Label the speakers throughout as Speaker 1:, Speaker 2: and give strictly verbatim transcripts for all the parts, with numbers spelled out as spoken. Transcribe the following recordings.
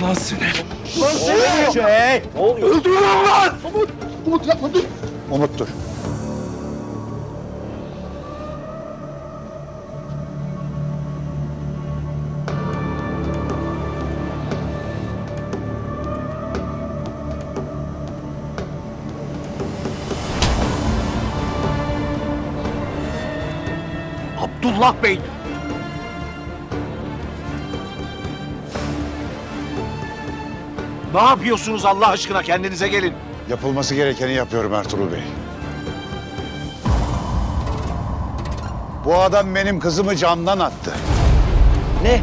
Speaker 1: lan seni.
Speaker 2: Lan seni!
Speaker 1: Şey!
Speaker 2: Ne oluyor?
Speaker 1: Öldürün lan!
Speaker 2: Umut, Umut yapma dur.
Speaker 3: Umut dur.
Speaker 1: Abdullah Bey! Ne yapıyorsunuz Allah aşkına? Kendinize gelin.
Speaker 3: Yapılması gerekeni yapıyorum Ertuğrul Bey. Bu adam benim kızımı camdan attı.
Speaker 2: Ne?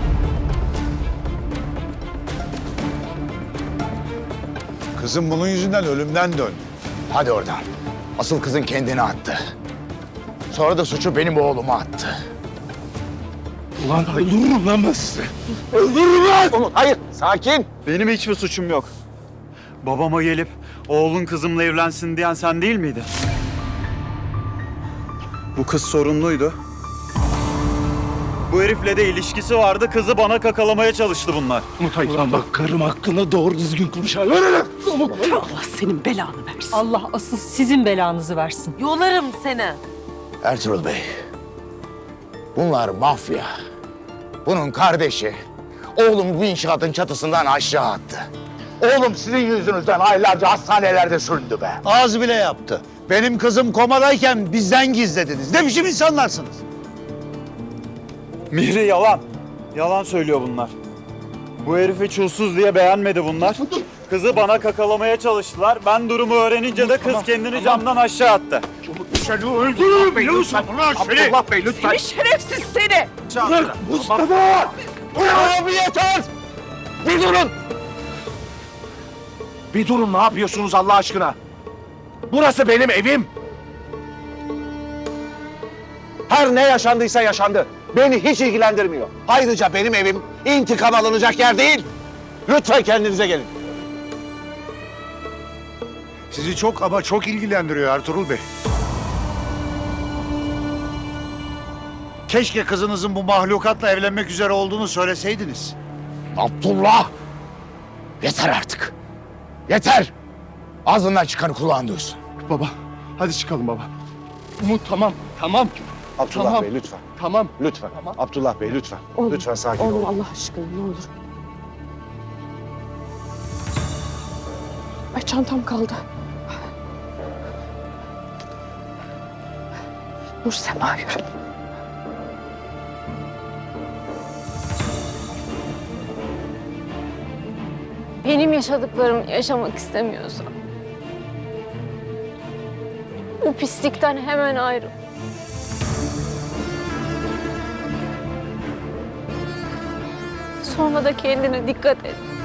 Speaker 3: Kızım bunun yüzünden ölümden döndü.
Speaker 4: Hadi oradan. Asıl kızın kendini attı. Sonra da suçu benim oğluma attı.
Speaker 1: Ulan öldürürüm lan ben sizi. Öldürürüm lan!
Speaker 2: Umut hayır sakin.
Speaker 5: Benim hiçbir suçum yok. Babama gelip oğlun kızımla evlensin diyen sen değil miydin? Bu kız sorunluydu. Bu herifle de ilişkisi vardı. Kızı bana kakalamaya çalıştı bunlar.
Speaker 1: Ulan bak karım hakkında doğru düzgün konuş. Öyle
Speaker 6: Allah senin belanı versin. Allah asıl sizin belanızı versin.
Speaker 7: Yolarım seni.
Speaker 4: Ertuğrul Bey, bunlar mafya. Bunun kardeşi oğlum bu inşaatın çatısından aşağı attı. Oğlum sizin yüzünüzden aylarca hastanelerde süründü be.
Speaker 3: Az bile yaptı. Benim kızım komadayken bizden gizlediniz. Ne biçim insanlarsınız?
Speaker 5: Mihri yalan. Yalan söylüyor bunlar. Bu herifi çulsuz diye beğenmedi bunlar. Kızı bana kakalamaya çalıştılar. Ben durumu öğrenince de kız kendini camdan aşağı attı.
Speaker 1: Seni öldürürüm biliyor musun? Abdullah Bey lütfen.
Speaker 6: Seni şerefsiz seni.
Speaker 1: Mustafa!
Speaker 2: Abi yeter. Bir durun.
Speaker 1: Bir durun ne yapıyorsunuz Allah aşkına? Burası benim evim.
Speaker 2: Her ne yaşandıysa yaşandı. Beni hiç ilgilendirmiyor. Ayrıca benim evim intikam alınacak yer değil. Lütfen kendinize gelin.
Speaker 3: Sizi çok ama çok ilgilendiriyor Ertuğrul Bey. Keşke kızınızın bu mahlukatla evlenmek üzere olduğunu söyleseydiniz.
Speaker 4: Abdullah! Yeter artık. Yeter! Ağzından çıkanı kulağın duysun.
Speaker 2: Baba hadi çıkalım baba. Umut tamam tamam.
Speaker 3: Abdullah
Speaker 2: Tamam.
Speaker 3: Bey lütfen.
Speaker 2: Tamam.
Speaker 3: Lütfen.
Speaker 2: Tamam.
Speaker 3: Abdullah Bey lütfen.
Speaker 6: Olur,
Speaker 3: Lütfen sakin
Speaker 6: Olur
Speaker 3: olun.
Speaker 6: Allah aşkına ne olur. Ay çantam kaldı. Dur Sema yürü.
Speaker 8: Benim yaşadıklarımı yaşamak istemiyorsan bu pislikten hemen ayrıl. Sonra da kendine dikkat et.